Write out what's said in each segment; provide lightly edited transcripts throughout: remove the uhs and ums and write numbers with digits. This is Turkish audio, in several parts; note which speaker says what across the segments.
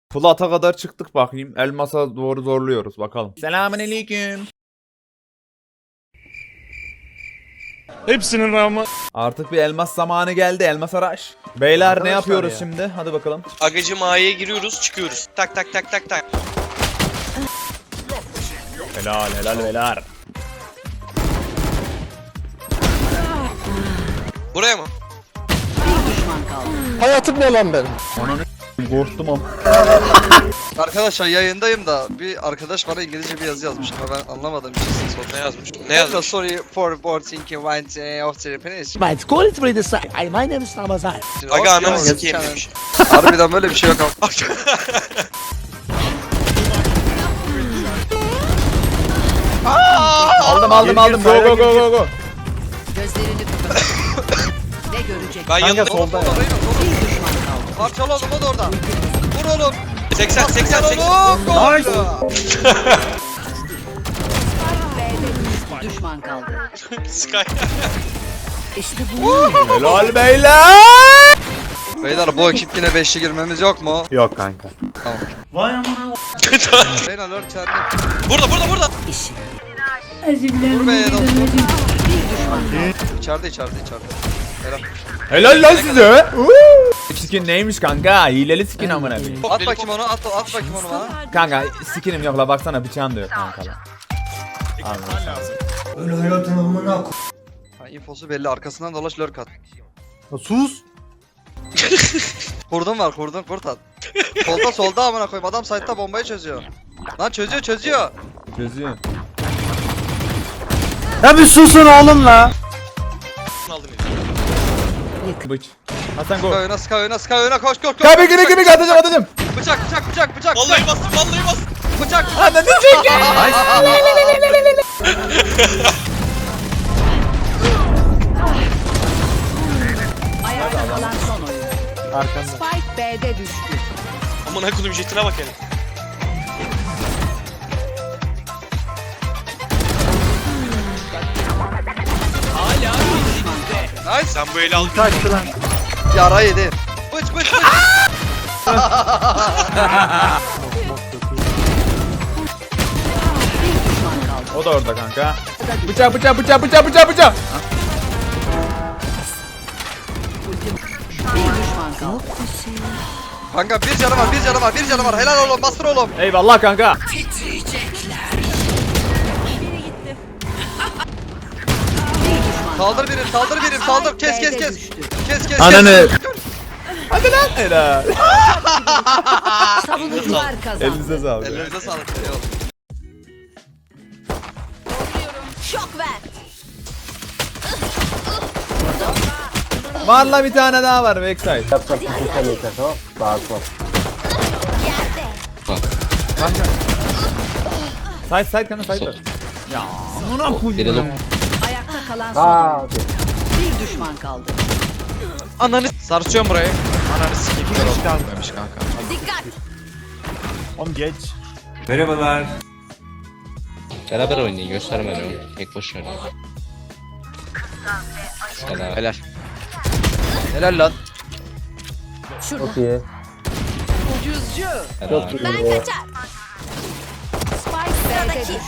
Speaker 1: Plat'a kadar çıktık bakayım. Elmas'a doğru zorluyoruz bakalım. Selamünaleyküm.
Speaker 2: Hepsinin rağmen.
Speaker 1: Artık bir elmas zamanı geldi. Elmas araş. Beyler ne
Speaker 3: Arkadaşlar
Speaker 1: yapıyoruz
Speaker 3: ya.
Speaker 1: şimdi? Hadi bakalım.
Speaker 4: Agacım A'ya giriyoruz çıkıyoruz. Tak tak tak tak tak.
Speaker 1: Helal helal helal.
Speaker 4: Buraya mı?
Speaker 3: Hayatım ne lan benim?
Speaker 1: Korktum ama.
Speaker 5: Arkadaşlar yayındayım da bir arkadaş bana İngilizce bir yazı yazmış ama ben anlamadım bir şey sordu.
Speaker 4: Ne yazmış? Ne yazmış?
Speaker 5: Sorry for board thinking when of the Japanese.
Speaker 6: My school is ready to say. My name is Ramazan.
Speaker 4: Aga ananı sikeyim demiş.
Speaker 5: Harbiden böyle bir şey yok ama.
Speaker 1: Aldım. Go go go go go.
Speaker 7: Gözlerini kapat. Ne görecek?
Speaker 4: Ben yanında.
Speaker 3: solda ya.
Speaker 7: Bir düşman kaldı.
Speaker 5: Parçalı oğlum o da orada. Vur oğlum.
Speaker 4: 80 80 80.
Speaker 5: Nice.
Speaker 7: B'de düşman kaldı.
Speaker 4: Sky.
Speaker 7: İşte bu.
Speaker 1: Helal beyler.
Speaker 5: Beyler bu ekip yine 5'li girmemiz yok mu?
Speaker 1: Yok kanka.
Speaker 5: Beyler lord çarptı.
Speaker 4: Burada.
Speaker 7: İşi.
Speaker 5: Vur be dostum.
Speaker 7: Bir düşman kaldı.
Speaker 5: İçeride. Helal.
Speaker 1: Helal lan size. Skin neymiş kanka? Hileli skin amına koyayım.
Speaker 5: At bakayım onu at bakayım onu bana.
Speaker 1: Kanka skinim yok la baksana bıçağım da yok kanka la.
Speaker 5: Ha, infosu belli arkasından dolaş lurk at.
Speaker 3: Sus.
Speaker 5: Kurdun var kurt at. Solda amına koyayım adam site'da bombayı çözüyor. Lan çözüyor.
Speaker 1: Gözü.
Speaker 3: Ya bir susun oğlum la.
Speaker 4: Aldım.
Speaker 1: Bıç. Hasan go.
Speaker 5: Sky oyna koş.
Speaker 1: Kabe gibi atacağım.
Speaker 5: Bıçak.
Speaker 4: Vallahi bastım.
Speaker 5: Bıçak.
Speaker 1: Ananı çek.
Speaker 7: Ayakta kalan son oyun.
Speaker 3: Arkanda.
Speaker 7: Spike B'de düştü.
Speaker 4: Aman kodum jetine bak hele.
Speaker 5: Nice.
Speaker 4: Sen bu eli al.
Speaker 3: Kaçtı lan.
Speaker 5: Yara yedi. Bıç.
Speaker 7: Bir düşman kaldı.
Speaker 1: O da orada kanka. Bıçak.
Speaker 7: Bir düşman kaldı.
Speaker 5: Kanka bir canı var. Helal oğlum bastır oğlum.
Speaker 1: Eyvallah kanka.
Speaker 7: Bir düşman
Speaker 5: Saldır birim. Saldır. Kes. Kes.
Speaker 1: Ananı. Hadi lan. Helal.
Speaker 7: Savunucular kazandı.
Speaker 1: Elinize sağlık.
Speaker 5: Ellerinize sağlık. Eyvallah.
Speaker 7: Şok ver.
Speaker 1: Var la bir tane daha var backside. Side kanka side. Ya amına koyayım.
Speaker 7: Ayakta kalan son oyun. Bir düşman kaldı.
Speaker 8: Ananı sarsıyorum burayı. Ananı sikeyim. Hiç kalmamış kanka.
Speaker 7: Dikkat.
Speaker 3: Oğlum geç.
Speaker 9: Beraber oynayın, gösterme beni. Tek başına oynayın. Selam.
Speaker 8: Helal. Helal lan.
Speaker 7: Şurada. Ucuzcu.
Speaker 9: Selam.
Speaker 7: Ben kaçar. Spike B'de düştü.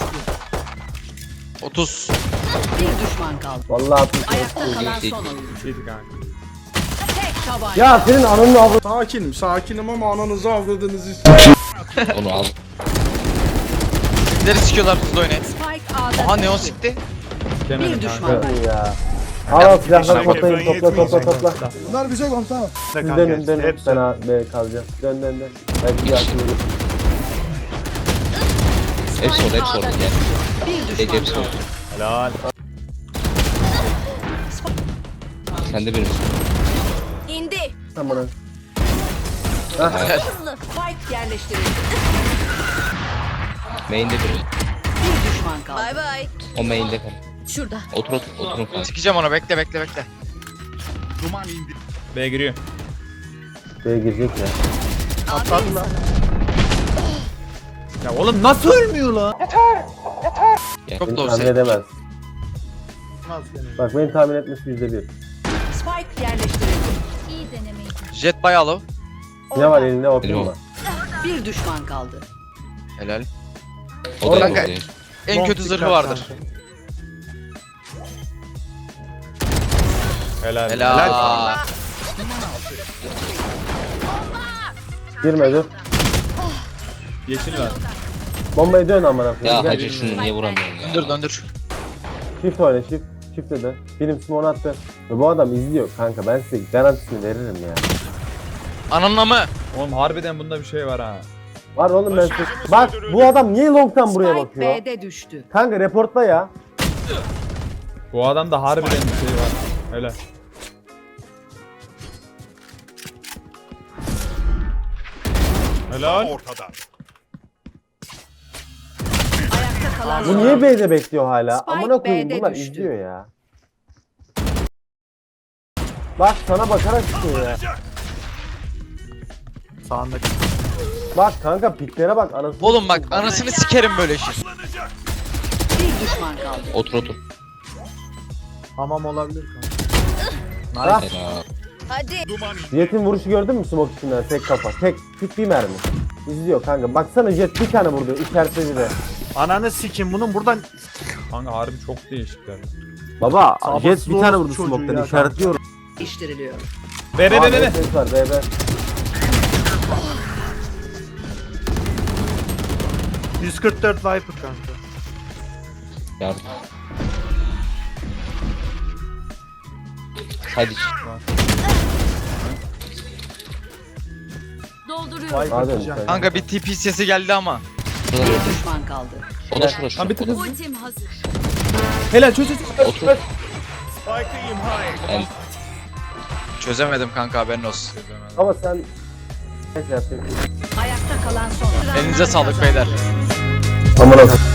Speaker 8: 30.
Speaker 7: Bir düşman kaldı.
Speaker 6: Vallahi
Speaker 7: Ayakta kalan son oyun.
Speaker 1: Şeydi kanka.
Speaker 7: Tek tabanca.
Speaker 6: ya senin ananın avı.
Speaker 3: Sakinim ama ananızı avradınızı.
Speaker 9: Onu al.
Speaker 8: Neleri sikiyorlar hızlı oynayın.
Speaker 7: Spike A'da
Speaker 8: Aha neon
Speaker 7: düştü.
Speaker 8: sikti.
Speaker 7: Bir
Speaker 1: Demedim
Speaker 7: düşman
Speaker 1: kanka.
Speaker 7: kaldı.
Speaker 6: Ya. Al silahları toplayın topla.
Speaker 3: Bunlar bize lan tamam.
Speaker 6: Siz dönün ben A B kalacağım. Dön. Belki yakın.
Speaker 9: Hepsi orada, hepsi orada.
Speaker 7: A'da
Speaker 9: Gel.
Speaker 7: düştü. Bir
Speaker 9: Tek
Speaker 7: düşman
Speaker 9: hepsi
Speaker 7: kaldı.
Speaker 9: orada.
Speaker 1: Helal.
Speaker 9: Sen de benim.
Speaker 7: İndi.
Speaker 6: Tamam.
Speaker 7: Spike yerleştirildi.
Speaker 9: Main'de biri.
Speaker 7: Bir düşman kaldı. Bay bay.
Speaker 9: O main'de kal.
Speaker 7: Şurada.
Speaker 9: Oturun kanka.
Speaker 8: Sikeceğim ona bekle.
Speaker 1: B giriyor.
Speaker 6: B girecek ya.
Speaker 3: Atladı lan.
Speaker 1: Ya oğlum nasıl ölmüyor la?
Speaker 8: Çok
Speaker 6: Beni
Speaker 8: da
Speaker 6: tahmin
Speaker 8: olsa.
Speaker 6: edemez. Bak beni tahmin etmesi %1.
Speaker 7: Spike yerleştirildi. İyi denemeydi.
Speaker 8: Jet bayağı low.
Speaker 6: Ne var elinde
Speaker 9: Benim
Speaker 6: ortaya
Speaker 9: o.
Speaker 6: var.
Speaker 7: Bir düşman kaldı.
Speaker 8: Helal.
Speaker 9: O da
Speaker 8: Kanka,
Speaker 9: yok.
Speaker 8: En kötü zırhı vardır.
Speaker 1: Helal.
Speaker 8: Helal.
Speaker 6: Girme dur.
Speaker 1: Yeşil var.
Speaker 6: Bombayı dön amına koyayım.
Speaker 9: Ya
Speaker 6: Gel.
Speaker 9: hacı şunu niye vuramıyorum ya?
Speaker 8: Döndür döndür.
Speaker 6: Shift oyna shift. Shift de. Film smoke attı. Ve bu adam izliyor kanka. Ben size garantisini veririm ya.
Speaker 8: Ananla mı?
Speaker 1: Oğlum harbiden bunda bir şey var ha.
Speaker 6: Var oğlum ben size. Bak bu adam niye long'tan buraya
Speaker 7: Spike
Speaker 6: bakıyor?
Speaker 7: B'de düştü.
Speaker 6: Kanka reportla ya.
Speaker 1: Bu adamda harbiden bir şey var. Öyle. Helal.
Speaker 3: Ortada.
Speaker 7: Ayakta kalan
Speaker 6: Bu
Speaker 7: son.
Speaker 6: niye B'de bekliyor hala?
Speaker 7: Spike
Speaker 6: Amına koyayım
Speaker 7: B'de
Speaker 6: bunlar
Speaker 7: düştü.
Speaker 6: izliyor ya. Bak sana bakarak çıkıyor ya.
Speaker 3: Sağındaki.
Speaker 6: Bak kanka piklere bak anasını.
Speaker 8: Oğlum bak anasını sikerim böyle şey.
Speaker 7: Bir düşman kaldı.
Speaker 9: Otur otur.
Speaker 3: Hamam olabilir kanka.
Speaker 6: Ah,
Speaker 9: Helal.
Speaker 6: Jet'in vuruşu gördün mü smoke içinden tek kafa. Tek bir mermi. İzliyor kanka. Baksana Jet bir tane vurdu işaretledi de.
Speaker 3: Ananı sikim bunun buradan
Speaker 1: Kanka harbi çok değişikler.
Speaker 6: Baba
Speaker 3: Sabırsız
Speaker 6: Jet bir tane vurdu
Speaker 3: çocuğu
Speaker 6: smoke'tan
Speaker 3: ya
Speaker 6: işaretliyor.
Speaker 7: İştiriliyor.
Speaker 1: Be be be be.
Speaker 6: Ses var be.
Speaker 3: 144 Viper kanka.
Speaker 9: Yardım. Hadi.
Speaker 3: Viper
Speaker 6: Hadi
Speaker 3: diyeceğim.
Speaker 6: sen.
Speaker 8: Kanka bir TP sesi geldi ama.
Speaker 9: Şurada
Speaker 7: Bir
Speaker 9: gördüm.
Speaker 7: düşman kaldı.
Speaker 9: O da şurada
Speaker 1: Lan
Speaker 9: şurada.
Speaker 1: bir tık hızlı. Helal çöz çöz.
Speaker 9: Otur. Ben
Speaker 8: Çözemedim kanka haberin olsun.
Speaker 6: Ama sen ne yapıyorsun?
Speaker 7: Ayakta kalan son.
Speaker 8: Elinize sağlık beyler.
Speaker 6: Aman